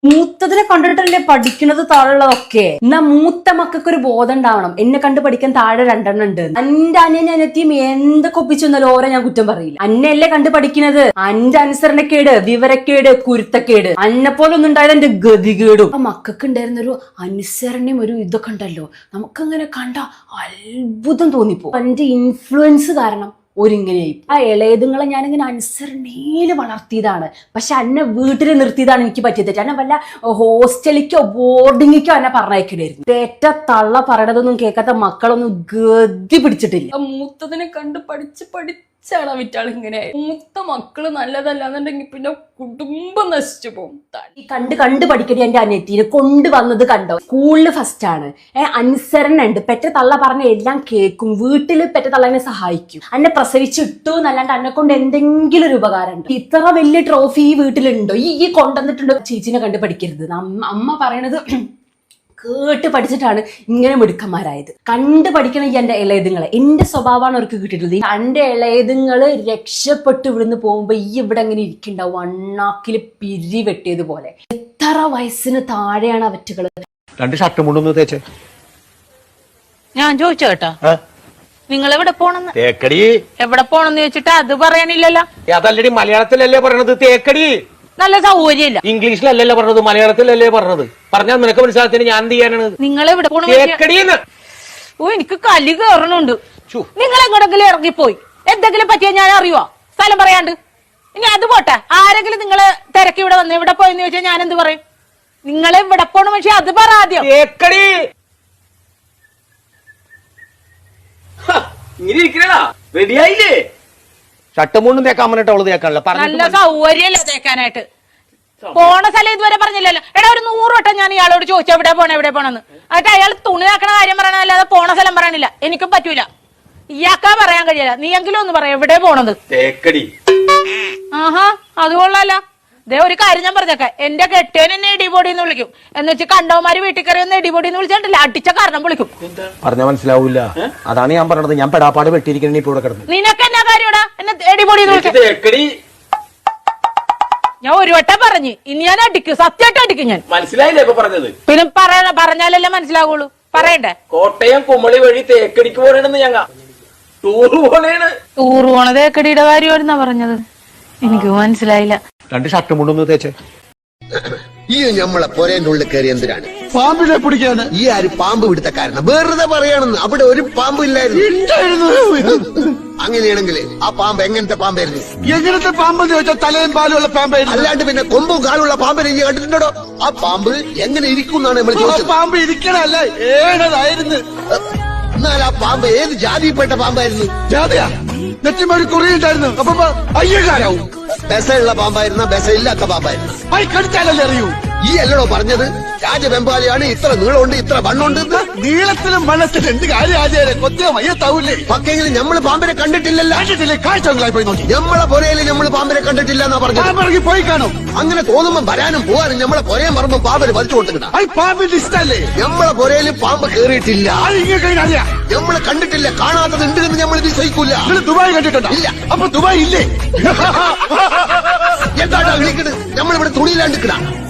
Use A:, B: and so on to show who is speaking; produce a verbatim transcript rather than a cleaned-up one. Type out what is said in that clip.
A: മൂത്തതിനെ കണ്ടിട്ടല്ലേ പഠിക്കണത് താഴെയുള്ളതൊക്കെ. എന്നാ മൂത്ത മക്കൾക്ക് ഒരു ബോധം ഉണ്ടാവണം. എന്നെ കണ്ട് പഠിക്കാൻ താഴെ രണ്ടെണ്ണം ഉണ്ട്. എന്റെ അനിയൻ അനിയത്തിയും എന്തൊക്കെ ഒപ്പിച്ചെന്നാലും ഓരോ ഞാൻ കുറ്റം പറയില്ല. അന്നല്ലേ കണ്ട് പഠിക്കുന്നത്. അന്റെ അനുസരണക്കേട്, വിവരക്കേട്, കുരുത്തക്കേട് അന്നെ പോലെ ഒന്നും ഉണ്ടായത് എന്റെ ഗതികേടും. ആ മക്കൾക്ക് ഉണ്ടായിരുന്ന ഒരു അനുസരണയും ഒരു ഇതൊക്കെ ഉണ്ടല്ലോ, നമുക്കങ്ങനെ കണ്ട അത്ഭുതം തോന്നിപ്പോ. എന്റെ ഇൻഫ്ലുവൻസ് കാരണം ഒരിങ്ങനെയായി. ആ ഇളയതുങ്ങളെ ഞാനിങ്ങനെ അനുസരണയില് വളർത്തിയതാണ്. പക്ഷെ അന്നെ വീട്ടിൽ നിർത്തിയതാണ് എനിക്ക് പറ്റിയത്. എന്നെ വല്ല ഹോസ്റ്റലിക്കോ ബോർഡിങ്ങിക്കോ എന്നെ പറഞ്ഞയക്കണായിരുന്നു. തേറ്റ തള്ള പറയണതൊന്നും കേൾക്കാത്ത മക്കളൊന്നും ഗതി പിടിച്ചിട്ടില്ല. മൂത്തതിനെ കണ്ട് പഠിച്ച് പഠിച്ചാണ് വിറ്റാൾ ഇങ്ങനെ. മൂത്ത മക്കള് നല്ലതല്ലാന്നുണ്ടെങ്കിൽ പിന്നെ കുടുംബം നശിച്ചു പോകും. ഈ കണ്ട് കണ്ട് പഠിക്കണ എന്റെ അനിയത്തിനെ കൊണ്ടുവന്നത് കണ്ടോ. സ്കൂളില് ഫസ്റ്റ് ആണ്. ഏഹ് അനുസരണ ഉണ്ട്. പെറ്റ തള്ള പറഞ്ഞ എല്ലാം കേൾക്കും. വീട്ടില് പെറ്റ തള്ളനെ സഹായിക്കും. അന്നെ പ്രസവിച്ചിട്ടു എന്നല്ലാണ്ട് അന്നെ കൊണ്ട് എന്തെങ്കിലും ഒരു ഉപകാരം ഉണ്ട്. ഇത്ര വലിയ ട്രോഫി ഈ വീട്ടിലുണ്ടോ? ഈ ഈ കൊണ്ടുവന്നിട്ടുണ്ടോ? ചേച്ചിനെ കണ്ട് പഠിക്കരുത്. അമ്മ പറയണത് കേട്ട് പഠിച്ചിട്ടാണ് ഇങ്ങനെ മിടുക്കന്മാരായത്. കണ്ട് പഠിക്കണം ഈ എന്റെ ഇളയതുങ്ങളെ. എന്റെ സ്വഭാവമാണ് അവർക്ക് കിട്ടിയിട്ടുള്ളത്. എന്റെ ഇളയതുങ്ങള് രക്ഷപ്പെട്ട് ഇവിടുന്ന് പോകുമ്പോ ഈ ഇവിടെ അങ്ങനെ ഇരിക്കണ്ടാവും, അണ്ണാക്കില് പിരി വെട്ടിയതുപോലെ. എത്ര വയസ്സിന് താഴെയാണ് അവറ്റുകള്.
B: രണ്ട് ഷർട്ട് മുണ്ടൊന്ന് തേച്ചേ.
C: ഞാൻ ചോദിച്ചോ കേട്ടോ, നിങ്ങൾ എവിടെ പോണെന്ന്?
B: തേക്കടി.
C: എവിടെ പോണെന്ന് ചോദിച്ചിട്ട് അത് പറയാനില്ലല്ലോ.
B: അതല്ലടി മലയാളത്തിലല്ലേ പറയണത് തേക്കടി.
C: നല്ല സൗകര്യമില്ല.
B: ഇംഗ്ലീഷിലല്ലല്ലോ പറഞ്ഞത്, മലയാളത്തിലല്ലേ പറഞ്ഞത്. പറഞ്ഞാൽ നിനക്ക് മനസ്സിലാത്തിന് ഞാൻ എന്ത് ചെയ്യാനാണ്?
C: നിങ്ങൾ എവിടെ പോണ?
B: തേക്കടിന്ന്.
C: ഓ എനിക്ക് കലി കയറണുണ്ട്. നിങ്ങൾ എങ്ങോട്ടെങ്കിലും ഇറങ്ങിപ്പോയി എന്തെങ്കിലും പറ്റിയാ ഞാൻ അറിയുവോ? സ്ഥലം പറയാണ്ട്. ഇനി അത് പോട്ടെ, ആരെങ്കിലും നിങ്ങള് തിരക്കി ഇവിടെ വന്ന് ഇവിടെ പോയെന്ന് ചോദിച്ചാൽ ഞാൻ എന്ത് പറയും? നിങ്ങൾ ഇവിടെ പോണ പക്ഷെ അത് പറ ആദ്യം.
B: തേക്കടി. ഇങ്ങനെ ഇരിക്കണടാ, റെഡിയായില്ലേ? ഷട്ടമൂണ്ടും തേക്കാൻ പറഞ്ഞിട്ട് അവള് തേക്കാനല്ല.
C: നല്ല സൗകര്യല്ല തേക്കാനായിട്ട്. പോണ സ്ഥലം ഇതുവരെ പറഞ്ഞില്ലല്ലോ. എടാ ഒരു നൂറ് വട്ടം ഞാൻ ഇയാളോട് ചോദിച്ചു എവിടെ പോണേ എവിടെ പോണെന്ന്. എന്നിട്ട് അയാൾ തുണി ആക്കണ കാര്യം പറയണല്ലാതെ പോണ സ്ഥലം പറയണില്ല. എനിക്കും പറ്റൂല. ഇയാൾക്കാ പറയാൻ കഴിയില്ല. നീ എങ്കിലും ഒന്ന് പറയാം എവിടെ പോണത്.
B: തേക്കടി.
C: ആഹാ അത് കൊള്ളാലോ. ദേ ഒരു കാര്യം ഞാൻ പറഞ്ഞേക്ക, എന്റെ കെട്ടിയൻ എന്നെ ഇടിപൊടി എന്ന് വിളിക്കും. എന്ന് വെച്ച് കണ്ടവന്മാര് വീട്ടിൽ കയറി ഒന്ന് ഇടിപൊടി എന്ന് വിളിച്ചിട്ടില്ല, അടിച്ച കാരണം വിളിക്കും.
B: പറഞ്ഞ മനസ്സിലാവൂല. അതാണ് ഞാൻ പറഞ്ഞത്. ഞാൻ പെടാപ്പാട് വെട്ടിയിരിക്കണ ഇപ്പൊ ഇവിടെ കിടന്നു.
C: നിനക്ക് എന്നാ കാര്യടാ എന്നെ ഇടിപൊടി എന്ന് വിളിക്കും? ഞാൻ ഒരു വട്ടം പറഞ്ഞു, ഇനി ഞാൻ അടിക്കും, സത്യമായിട്ട് അടിക്കും ഞാൻ.
D: മനസ്സിലായില്ലേ ഇപ്പൊ പറഞ്ഞത്?
C: പിന്നെ പറയണ പറഞ്ഞാലല്ലേ മനസ്സിലാവുള്ളൂ. പറയണ്ടേ?
D: കോട്ടയം കുമളി വഴി തേക്കടിക്ക് പോകണെന്ന് ഞങ്ങ ടൂറ് പോണേണ്.
C: ടൂറ് പോണ തേക്കടിയുടെ കാര്യമായിരുന്നാ പറഞ്ഞത്? എനിക്ക് മനസ്സിലായില്ല.
B: രണ്ട് ഷർട്ട് മുണ്ടൊന്ന് തേച്ചേ.
E: ഈ ഞമ്മളെ പൊരേന്റെ ഉള്ളിൽ കയറി എന്തിനാണ്?
F: പാമ്പിനെ പിടിക്കാണ്.
E: ഈ ആര് പാമ്പ് പിടുത്ത കാരണം? വെറുതെ പറയാണെന്ന്. അവിടെ ഒരു പാമ്പ് ഇല്ലായിരുന്നു. അങ്ങനെയാണെങ്കിൽ ആ പാമ്പ് എങ്ങനത്തെ പാമ്പായിരുന്നു?
F: എങ്ങനത്തെ പാമ്പെന്ന് ചോദിച്ചാൽ തലയും പാലുള്ള പാമ്പായിരുന്നു.
E: അല്ലാണ്ട് പിന്നെ കൊമ്പും കാലുള്ള പാമ്പിനെ ഇനി കണ്ടിട്ടുണ്ടോ? ആ പാമ്പ് എങ്ങനെ ഇരിക്കും എന്നാണ് നമ്മൾ ചോദിച്ചത്.
F: പാമ്പ് ഇരിക്കണല്ല, ഏഴതായിരുന്നു.
E: എന്നാൽ ആ പാമ്പ് ഏത് ജാതിയിൽപ്പെട്ട പാമ്പായിരുന്നു?
F: ജാതിയാ? നെറ്റിമൊരു കുറിയുണ്ടായിരുന്നു. അപ്പൊ അയ്യകാരാവും.
E: ബെസയുള്ള പാമ്പായിരുന്ന ബെസയില്ലാത്ത പാമ്പായിരുന്നു.
F: അയ് കടിച്ചാലല്ലേ അറിയൂ.
E: ഈ അല്ലടോ പറഞ്ഞത് രാജവെമ്പാലിയാണ് ഇത്ര നീളമുണ്ട് ഇത്ര വണ്ണുണ്ട്.
F: നീളത്തിലും വണ്ണത്തിലും എന്ത് കാര്യം ആചാര്യ കൊത്തിയ മയ്യത്താവൂലേ?
E: പക്ഷെങ്കിലും നമ്മള് പാമ്പിനെ കണ്ടിട്ടില്ലല്ലോ.
F: കണ്ടിട്ടില്ലേ? കാഴ്ചകളായി പോയി നോക്കി.
E: നമ്മളെ പൊരയില് നമ്മള് പാമ്പിനെ കണ്ടിട്ടില്ല എന്നാ പറഞ്ഞു.
F: പോയി കാണും.
E: അങ്ങനെ തോന്നുമ്പോ വരാനും പോകാനും നമ്മളെ പൊരയും പറമ്പും പാമ്പിന് വലിച്ചു കൊടുത്തിട്ടാ.
F: പാമ്പിന്റെ ഇഷ്ടല്ലേ?
E: നമ്മളെ പൊരയില് പാമ്പ് കേറിയിട്ടില്ല.
F: അറിയാം.
E: നമ്മള് കണ്ടിട്ടില്ല. കാണാത്തത് ഉണ്ട് എന്ന് നമ്മൾ വിശ്വസിക്കൂല.
F: ദുബായ് കണ്ടിട്ടുണ്ടോ?
E: ഇല്ല.
F: അപ്പൊ ദുബായ് ഇല്ലേ?
E: എന്താ വിളിക്കണ്? നമ്മളിവിടെ തുണിയിലാണ്ടിക്കണ.